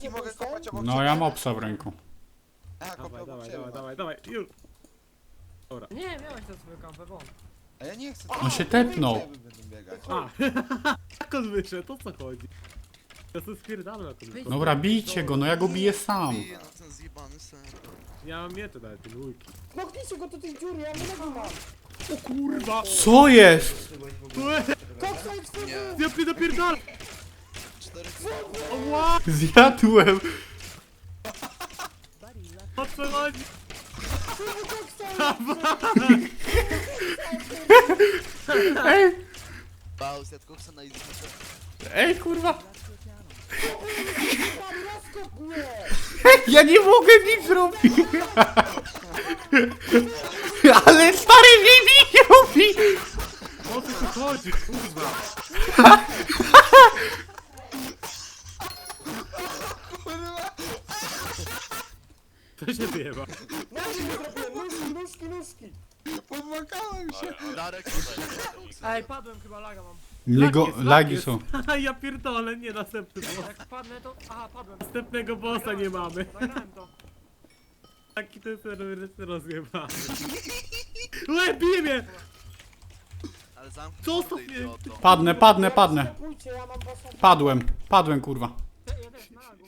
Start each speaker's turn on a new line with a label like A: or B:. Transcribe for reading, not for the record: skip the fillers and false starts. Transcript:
A: Nie mogę kopać obok
B: No
A: ciebie.
B: ja mam obsa w ręku.
A: A, kopię
C: Dawaj,
A: obok
C: dawaj,
A: ciebie.
C: dawaj, dawaj, dawaj, już. Dobra.
D: Nie, miałeś tę swoją kampę, bo.
A: A ja nie chcę.
B: On się tepnął.
A: Będą biegać.
C: A, jak on wyszedł, o co chodzi? Ja sobie spierdalam jak on wyszedł.
B: Dobra, bijcie go, no ja go biję sam.
E: Bije na ten zjebany sen.
C: Ja mam miecze nawet, ten ujki.
F: Knoknijcie go do tej dziury, ja nie mam.
C: O kurwa!
B: Co jest?
F: Koksa i twój
E: Nie,
C: Ja mnie napierdal!
E: 4
C: Ła!
B: Zjadłem.
C: O co chodzi?
B: Ej,
E: Bał, zjadł koksa na izbę.
B: ej kurwa.
F: rozkop mnie!
B: Ja nie mogę nic zrobić. Ale stary mnie nie robi.
C: O co tu chodzi, kurwa? To się wyjeba.
F: Nóżki zrobiłem, nóżki!
A: Pomagałem się.
E: Darek,
D: Ej, padłem, chyba laga mam.
B: Niego
C: Lagi
B: lagi
C: jest.
B: są.
C: Ja pierdolę, nie następny boss.
D: Jak padnę to... Aha, padłem.
C: Następnego bossa nie mamy.
D: Nagrałem to.
C: Taki ten serwer jest rozjebany. Łe, bije mnie!
E: ale zamknij
C: Co
E: mordę,
C: to
E: idioto.
B: Padnę, padnę, padnę.
F: Pójdźcie, ja mam waszą...
B: Padłem kurwa.
D: Ja też, na laga.